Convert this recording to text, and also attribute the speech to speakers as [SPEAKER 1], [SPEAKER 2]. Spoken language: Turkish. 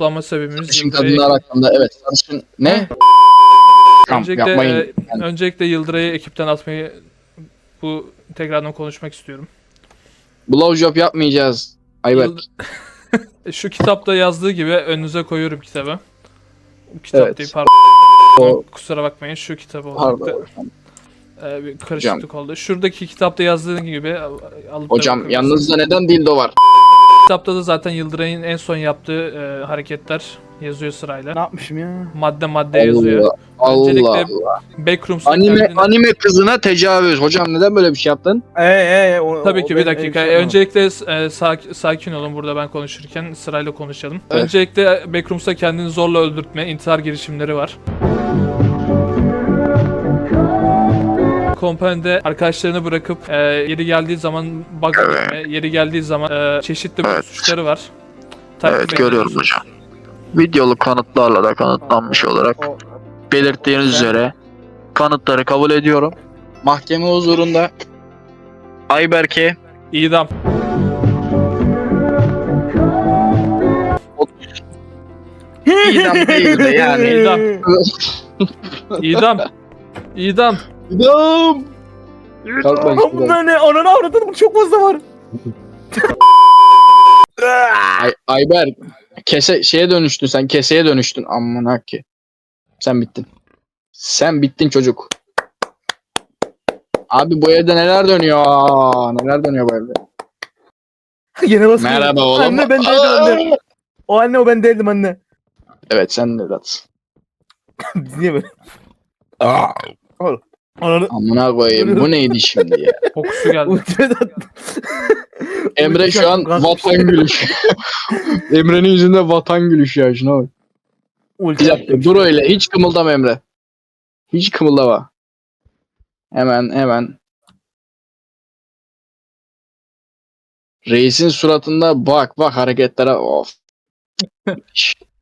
[SPEAKER 1] toplanma sebebimiz
[SPEAKER 2] Sarışın
[SPEAKER 1] Yıldıray'ı...
[SPEAKER 2] kadınlar hakkında evet sarışın ne? Tamam yapmayın.
[SPEAKER 1] Öncelikle Yıldıray'ı ekipten atmayı bu tekrardan konuşmak istiyorum.
[SPEAKER 2] Blowjob yapmayacağız. Ayberk.
[SPEAKER 1] Yıld Şu kitapta yazdığı gibi önünüze koyuyorum kitabı. Kitap değil
[SPEAKER 2] Evet.
[SPEAKER 1] pardon.
[SPEAKER 2] O
[SPEAKER 1] Kusura bakmayın şu kitabı olacaktı.
[SPEAKER 2] pardon.
[SPEAKER 1] Bir karışıklık oldu. Şuradaki kitapta yazdığı gibi alıp da
[SPEAKER 2] Hocam
[SPEAKER 1] bakabilirsiniz.
[SPEAKER 2] yanınızda neden dildo var?
[SPEAKER 1] Kitapta da zaten Yıldıray'ın en son yaptığı hareketler yazıyor sırayla.
[SPEAKER 3] Ne yapmışım ya?
[SPEAKER 1] Madde madde yazıyor.
[SPEAKER 2] Allah Allah.
[SPEAKER 1] Öncelikle
[SPEAKER 2] Allah.
[SPEAKER 1] Backrooms'ta
[SPEAKER 2] Anime
[SPEAKER 1] kendine...
[SPEAKER 2] anime kızına tecavüz. Hocam neden böyle bir şey yaptın?
[SPEAKER 1] Tabii ki bir dakika.
[SPEAKER 3] şey
[SPEAKER 1] Öncelikle sakin olun burada ben konuşurken sırayla konuşalım.
[SPEAKER 2] Evet.
[SPEAKER 1] Öncelikle Backrooms'ta kendini zorla öldürtme, intihar girişimleri var. Kompanide arkadaşlarını bırakıp yeri geldiği zaman bug etme, yeri geldiği zaman çeşitli suçları var.
[SPEAKER 4] Evet görüyorum hocam. Videolu kanıtlarla da kanıtlanmış olarak belirttiğiniz üzere kanıtları kabul ediyorum.
[SPEAKER 2] Mahkeme huzurunda Ayberk'e
[SPEAKER 1] İdam.
[SPEAKER 2] idam değil de yani.
[SPEAKER 1] İdam. İdam. İdam.
[SPEAKER 2] İdam. Kalk lan şuradan.
[SPEAKER 3] Bunlar ne? Ananı avradın çok fazla var.
[SPEAKER 2] Ayberk şeye dönüştün sen keseye dönüştün amına ki. Sen bittin. Sen bittin çocuk. Abi bu evde neler dönüyor? Neler dönüyor bu evde?
[SPEAKER 3] Yine basıyor.
[SPEAKER 2] Merhaba oğlum.
[SPEAKER 3] Anne ben değildim anne. O anne o ben değildim anne.
[SPEAKER 2] Evet sen de evlatsın.
[SPEAKER 3] Biz niye böyle? Ananı.
[SPEAKER 2] Amına koyayım bu neydi şimdi ya?
[SPEAKER 1] Kokusu geldi.
[SPEAKER 3] Ultimadan.
[SPEAKER 2] Emre şu an vatan gülüşü. Emre'nin yüzünde vatan gülüşü ya şuna bak. Bir dakika dur öyle hiç kımıldama Emre. Hiç kımıldama. Hemen. Reisin suratında bak hareketlere of.